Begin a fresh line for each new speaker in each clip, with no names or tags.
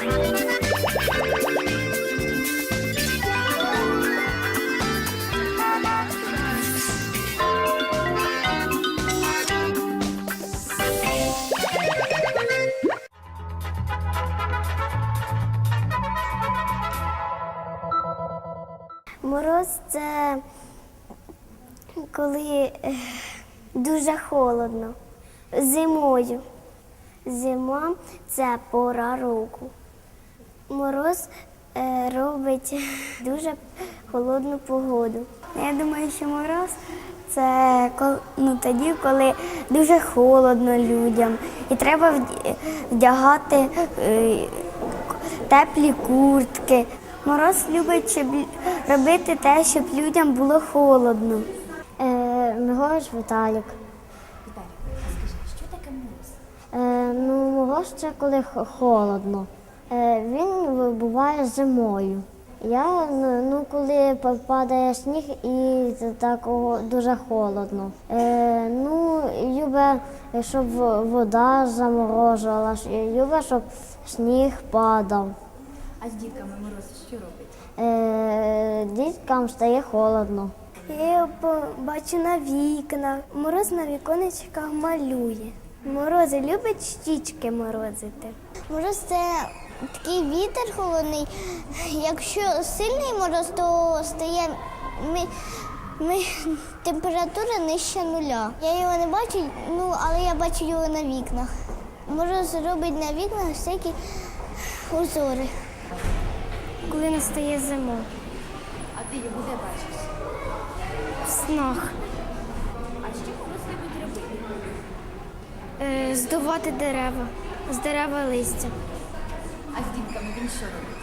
Мороз – це коли дуже холодно. Зимою. Зима – це пора року. Мороз робить дуже холодну погоду. Я думаю, що мороз – це тоді, коли дуже холодно людям. І треба вдягати теплі куртки. Мороз любить робити те, щоб людям було холодно. Мороз Віталік.
Скажи, що таке мороз?
Мороз – це коли холодно. Він буває зимою. Коли падає сніг і так дуже холодно. Любить, щоб вода заморожувала, любить, щоб сніг падав.
А з дітками мороз що робить?
Діткам стає холодно. Я його бачу на вікнах. Мороз на віконечках малює. Морози любить щічки морозити. Мороз – це такий вітер холодний. Якщо сильний мороз, то стає температура нижче нуля. Я його не бачу, але я бачу його на вікнах. Мороз робить на вікнах всякі узори. Коли настає зима.
А ти його де бачиш?
В снах.
А що мороз любить робити?
Здувати дерева. З дерева листя.
А з дітками він що робить?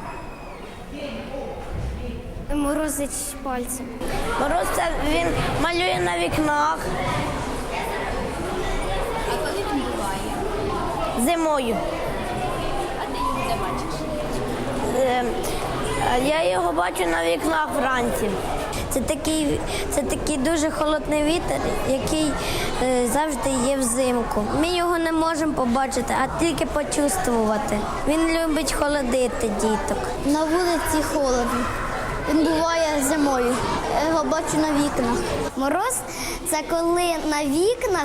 Морозить пальцем.
Мороз – це він малює на вікнах.
А коли він буває?
Зимою.
А ти його де бачиш?
Я його бачу на вікнах вранці. Це такий дуже холодний вітер, який завжди є взимку. Ми його не можемо побачити, а тільки почувствувати. Він любить холодити діток.
На вулиці холодно. Він буває зимою. Я його бачу на вікнах. Мороз – це коли на вікнах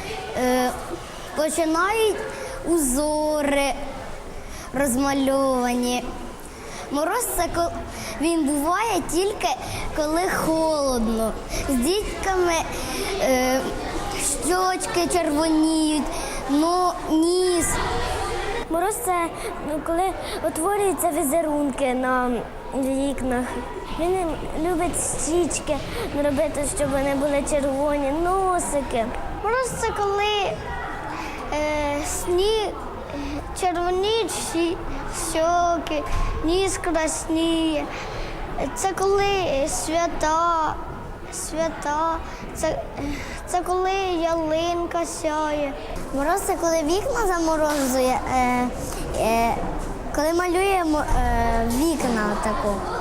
починають узори розмальовані. Мороз – це він буває тільки коли холодно. З дітками щочки червоніють, ніс. Мороз – це коли утворюються візерунки на вікнах. Він любить щічки робити, щоб вони були червоні, носики. Мороз – це коли сніг червоніють щоки, ніс красніє. Це коли свята, це коли ялинка сяє. Мороз – це коли вікна заморозує, коли малює вікна таку.